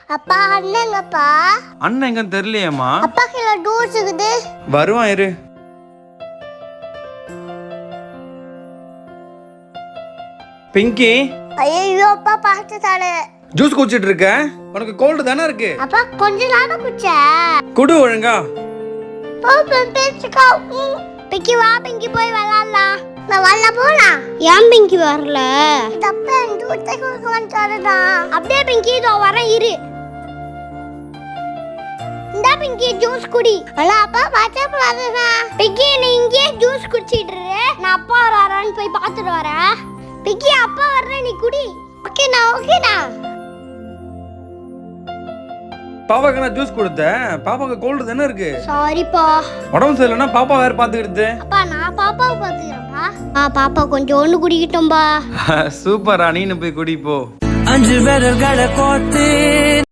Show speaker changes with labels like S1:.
S1: அப்பா அண்ணங்கப்பா.
S2: அண்ணன் எங்க தெரியலையேம்மா.
S1: அப்பா கிலோ ஜூஸ் இருக்குது.
S2: வருவான் இரு. பிங்கி.
S1: ஐயோ அப்பா பார்த்துட்டாரு.
S2: ஜூஸ் குடிச்சிட்டு இருக்க? உனக்கு கோல்டு தானே இருக்கு?
S1: அப்பா கொஞ்ச நேரம் குடிச்ச.
S2: குடு ஒழுங்கா.
S1: பாப்பன் பேச்சுக்கா. பிங்கி வா பிங்கி போய் விளையாடலாம். நான் வரல போலாம். ஏன் பிங்கி வரல? தப்பேன் ஜூஸ் குடிக்க வந்துட்டாருடா. அப்படியே பிங்கி இதோ வரேன் இரு. இந்த பிங்கி ஜூஸ் குடி. அல அப்பா பாச்சே போறாதடா. பிங்கி நீ இங்கே ஜூஸ் குடிச்சிட்டு இரு. நான் அப்பா வராரான்னு போய் பார்த்துட்டு வரேன். பிங்கி அப்பா வர்றேன் நீ குடி. ஓகேடா ஓகேடா.
S2: பாப்பாக்கு நான் ஜூஸ் கொடுத்தேன். பாப்பாக்கு கோல்டு தானே இருக்கு.
S1: சாரிப்பா.
S2: உடம்பு சரியில்லைன்னா பாப்பா வேற பாத்துக்கிட்டு.
S1: அப்பா நான் பாப்பாவை பாத்துக்கிறேன்ப்பா. பாப்பா கொஞ்சம் ஒண்ணு குடிக்கிட்டோம்பா.
S2: சூப்பரா, நீனு போய் குடி போ.
S3: 5 விரல்களை கோத்து